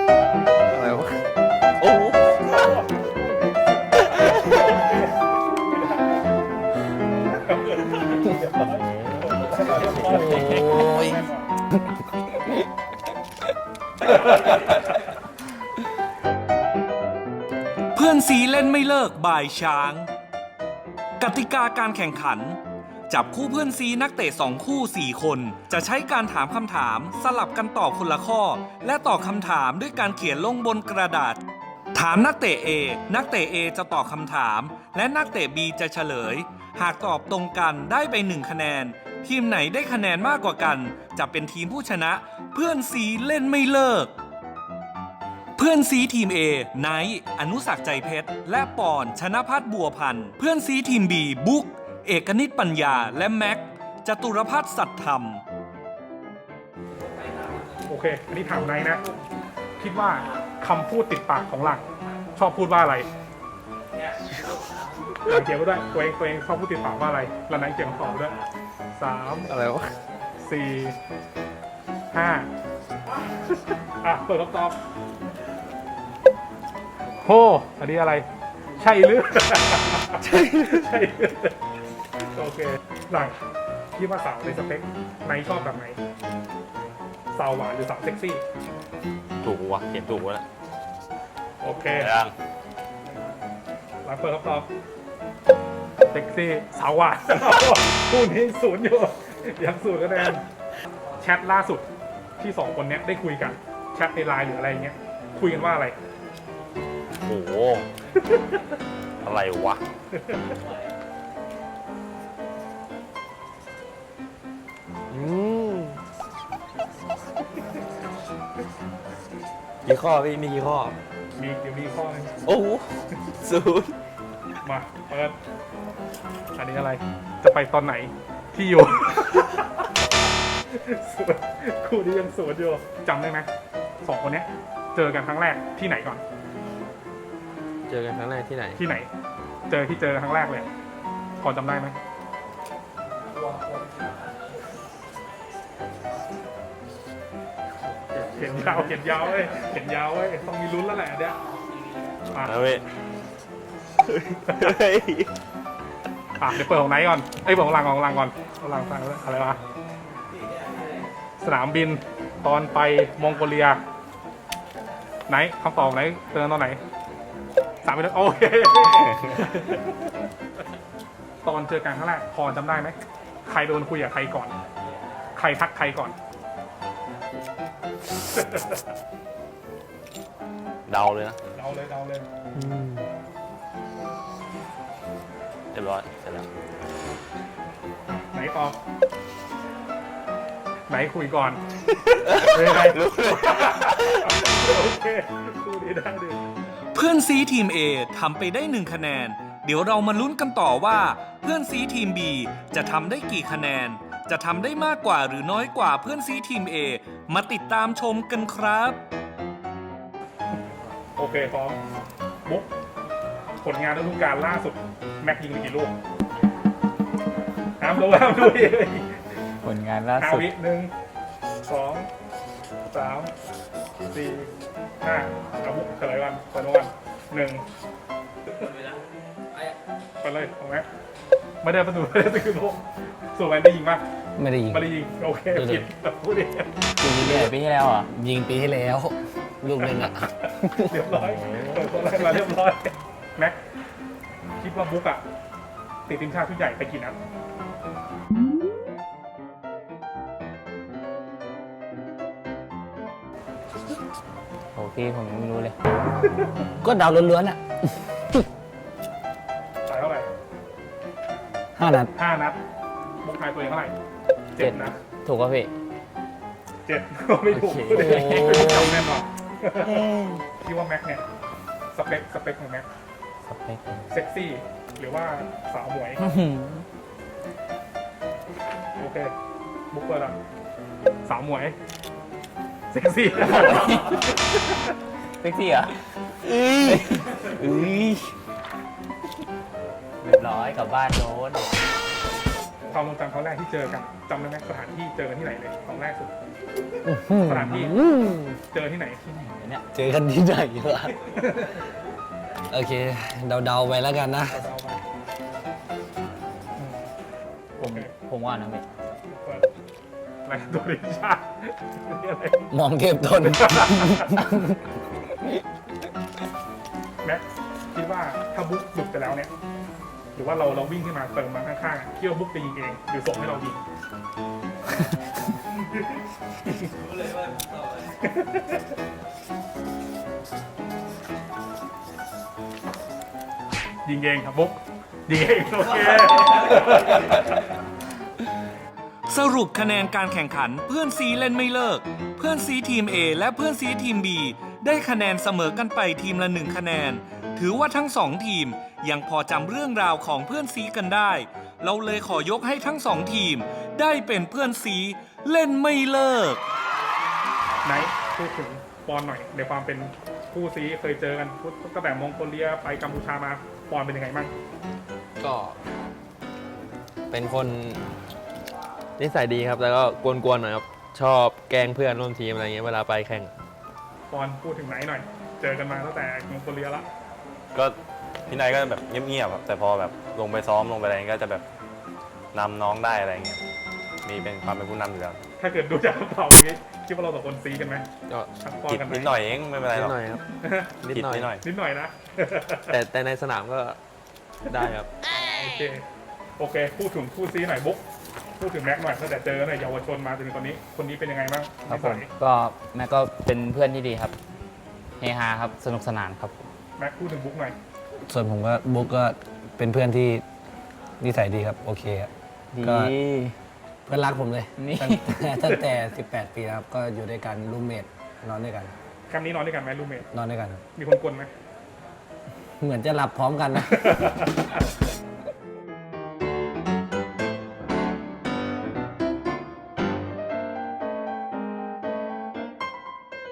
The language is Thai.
อะไรวะโอ้โหโอ้ยเพื่อนซีเล่นไม่เลิกบ่ายช้าง กติกาการแข่งขัน จับคู่เพื่อนซีนักเตะ2คู่4คนจะใช้การถามคำถามสลับกันตอบคนละข้อ และตอบคำถามด้วยการเขียนลงบนกระดาษ ถามนักเตะ A นักเตะ A จะตอบคำถาม และนักเตะ B จะเฉลย หากตอบตรงกันได้ไป1คะแนน ทีมไหนได้คะแนนมากกว่ากัน จะเป็นทีมผู้ชนะ เพื่อนซีเล่นไม่เลิก เพื่อนซีทีม A ไนท์อนุสักษ์ใจเพชร และปอนชนะพัฒน์บัวพันธ์เพื่อนซีทีม B บุ๊กเอกนิตปัญญาและแม็กจตุรพัฒน์สัตย์ธรรมโอเค อันนี้ถามไนท์นะ คิดว่าคำพูดติดปากของหลังชอบพูดว่าอะไรหลังเขียนไว้ด้วยตัวเองชอบพูดติดปากว่าอะไรแล้วไนท์เขียนคำตอบด้วย3 อะไรวะ 4 5อ่ะเปิดคำตอบโหอันนี้อะไร ใช่หรือ ใช่โอเคหลังคิดว่าสาวในสเปคไนท์ชอบแบบไหนสาวหวานหรือสาวเซ็กซี่ถูกวะเขียนถูกวะนะโอเคยังหลังเปิดคำตอบเซ็กซี่สาวหวานคู่นี้ศูนย์อยู่ยังศูนย์คะแนนแชทล่าสุดที่2คนเนี้ยได้คุยกันแชทในไลน์หรืออะไรเงี้ยคุยกันว่าอะไรโอ้โหอะไรวะกี่ข้อพี่มีกี่ข้อเดี๋ยวมีข้อนึงโอ้โหศูนย์มาเปิดอันนี้อะไร จะไปตอนไหนที่อยู่ ศูนย์คู่นี้ยังศูนย์อยู่จำได้ไหม2คนเนี้ยเจอกันครั้งแรกที่ไหนก่อนเจอกันครั้งแรกที่ไหนที่ไหน เจอครั้งแรกเลยพอจำได้ไหมเห็นยาวเว้ยต้องมีลุ้นแล้วแหละเนี่ยอ่ะแล้วเว้ยเดี๋ยวเปิดของไหนก่อนเปิดของหลังก่อนของหลังฟังอะไรวะสนามบินตอนไปมองโกเลียไหนคำตอบไหนเจอตอนไหน3 ปีแล้วโอเค ตอนเจอกันครั้งแรกพอจำได้ไหมใครโดนคุยกับใครก่อน ใครทักใครก่อนเดาเลยนะเดาเลยเรียบร้อยเสร็จแล้วไหนตอบไหนคุยก่อนใครรู้เลยโอเคคู่นี้ได้ดิเพื่อนซีทีม A ทำไปได้1คะแนน เดี๋ยวเรามาลุ้นกันต่อว่า เพื่อนซีทีม B จะทำได้กี่คะแนน จะทำได้มากกว่าหรือน้อยกว่าเพื่อนซีทีม A มาติดตามชมกันครับโอเคพร้อมบุ๊กผลงานฤดูกาลล่าสุดแม็กยิงไปกี่ลูกห้ามดูอีกผลงานล่า 5 สุดวิ1 2 3 4 5เอาบุ๊กเฉลยวัน1ไปเลยของแม็กไม่ได้ประตูไม่ได้ตื่นลูกส่วนแมนได้ยิงป่ะไม่ได้ยิงไม่ได้ยิงโอเคผิดพูดดิยิงที่ไหนปีที่แล้วอ่ะยิงปีที่แล้วลูกหนึ่งอ่ะเรียบร้อยเปิดตัวแรกมาเรียบร้อยแม็กคิดว่าบุ๊กอะติดทีมชาติชุดใหญ่ไปกี่นัดโอเคผมยังไม่รู้เลยก็เดาล้วนๆอ่ะจ่ายเท่าไหร่ 5 นัด 5 นัดบุ๊กทายตัวเองเท่าไหร่7 นัดถูกป่ะพี่ 7ก็ไม่ถูกโอเคไม่จำแน่นอนคิดว่าแม็กเนี่ยสเปคของแม็กสเปคเซ็กซี่หรือว่าสาวหมวย โอเค บุ๊กเปิดอะสาวหมวย เซ็กซี่เซ็กซี่เหรอเรียบร้อยกลับบ้านโดนความทรงจำครั้งแรกที่เจอกันจำได้ไหมสถานที่เจอกันที่ไหนเลยครั้งแรกสุด สถานที่ เจอที่ไหนเนี่ยเจอกันที่ไหนวะ โอเค เดาๆไปแล้วกันนะเราไปผมว่านะพี่เปิดอะไรตัวดิชานี่อะไรมองเทพทนแม็กคิดว่าถ้าบุ๊กหลุดไปแล้วเนี่ยหรือว่าเราวิ่งขึ้นมาเติมมาข้างๆคิดว่าบุ๊กจะยิงเองหรือส่งให้เรายิง ยิงเองครับบุ๊กยิงเองโอเคสรุปคะแนนการแข่งขันเพื่อนซีเล่นไม่เลิก เพื่อนซีทีม A และเพื่อนซีทีม B ได้คะแนนเสมอกันไปทีมละ1คะแนน ถือว่าทั้ง2ทีมยังพอจำเรื่องราวของเพื่อนซีกันได้ เราเลยขอยกให้ทั้ง2ทีมได้เป็นเพื่อนซีเล่นไม่เลิกไหนพูดถึงปอนหน่อยในความเป็นคู่ซีเคยเจอกันตั้งแต่มองโกเลียไปกัมพูชามาปอนเป็นยังไงบ้างก็เป็นคนนิสัยดีครับ แล้วก็กวนๆหน่อยครับ ชอบแกล้งเพื่อนร่วมทีมอะไรเงี้ยเวลาไปแข่งปอนพูดถึงไหนหน่อย เจอกันมาตั้งแต่มองโกเลียละก็พี่นายก็แบบเงียบๆครับแต่พอแบบลงไปซ้อมลงไปอะไรก็จะแบบนำน้องได้อะไรเงี้ยมีเป็นความเป็นผู้นำอยู่แล้วถ้าเกิดดูจากกระเป๋านี้คิดว่าเราสองคนซีกันไหมก็ทั้งปอนกิดกันไหมนิดหน่อยเองไม่เป็นไรนิหรดอกหน่อยครับ นิดกิดหน่อยนิดหน่อยนิดหน่อยนะแต่ในสนามก็ได้ครับโอเค โอเค พูดถึงคู่ซีหน่อยบุ๊กพูดถึงแม็กหน่อยตั้งแต่เจอในเยาวชนมาจนถึงตอนนี้ คนนี้เป็นยังไงบ้างครับผมนิสัยก็แม่ก็เป็นเพื่อนที่ดีครับเฮฮาครับสนุกสนานครับแม็กพูดถึงบุ๊กหน่อยส่วนผมก็บุ๊กก็เป็นเพื่อนที่นิสัยดีครับ โอเคครับดีก็ เพื่อนรักผมเลยนี่ตั้งแต่ 18 ปีครับ ก็อยู่ด้วยกันรูมเมทนอนด้วยกันแคมป์นี้นอนด้วยกันไหมรูมเมทนอนด้วยกันครับมีคนกลนไหมเหมือนจะหลับพร้อมกันนะ